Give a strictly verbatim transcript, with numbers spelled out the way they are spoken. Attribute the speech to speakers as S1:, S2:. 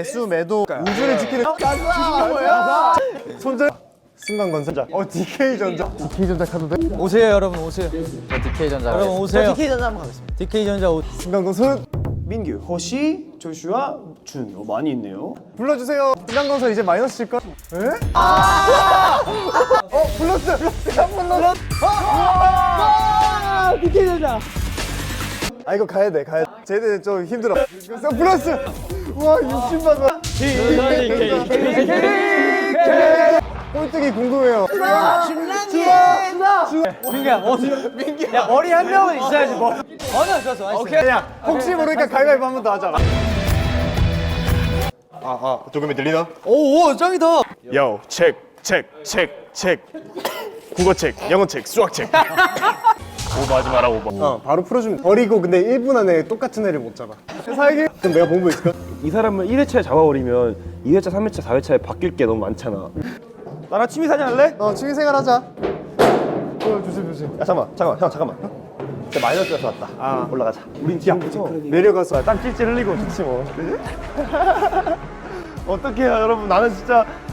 S1: 매수 매도 우주를 지키는 가자. 손절. 순간건설. 어 디케이전자. 디케이전자 카드 돼?
S2: 오세요 여러분 오세요.
S3: 디케이전자.
S2: 여러분 오세요.
S3: 디케이전자 한번 가겠습니다.
S2: 디케이전자 오.
S1: 순간건설.
S4: 민규, 허시, 조슈아, 준. 어, 많이 있네요.
S1: 불러주세요. 순간건설 이제 마이너스 칠까? 에? 아! 어 플러스. 플러스 한번 넣어. 아! 디케이전자. 아 이거 가야 돼 가야 돼. 쟤네 좀 힘들어. 그래서 플러스. 우와 육십만 원. 꼴등이 궁금해요.
S2: 민규야 어디? 민규. 야 머리 한 명은 있어야지 뭐. 어느 좋았어. 오케이.
S1: 야 혹시 모르니까 가위바위보 한 번 더 하자. 아아 조금이 들리나?
S2: 오 짱이다.
S4: 요, 책, 책, 책, 책. 국어책, 영어책, 수학책. 오버하지 마라, 오버.
S1: 어 바로 풀어주면 돼. 버리고 근데 일 분 안에 똑같은 애를 못 잡아. 사기? 그럼 내가 본거 있을까?
S5: 이 사람을 일 회차에 잡아버리면 이 회차, 삼 회차, 사 회차에 바뀔 게 너무 많잖아. 나랑 취미사냥 할래?
S1: 어 취미생활 하자. 어 조심 조심.
S5: 야 잠깐만 잠깐만 형 잠깐만. 진짜 마이너스에서 왔다. 아 올라가자. 우린 지금부터
S1: 내려가서
S5: 땀 찔찔 흘리고 좋지 뭐. 어떡해요 여러분. 나는 진짜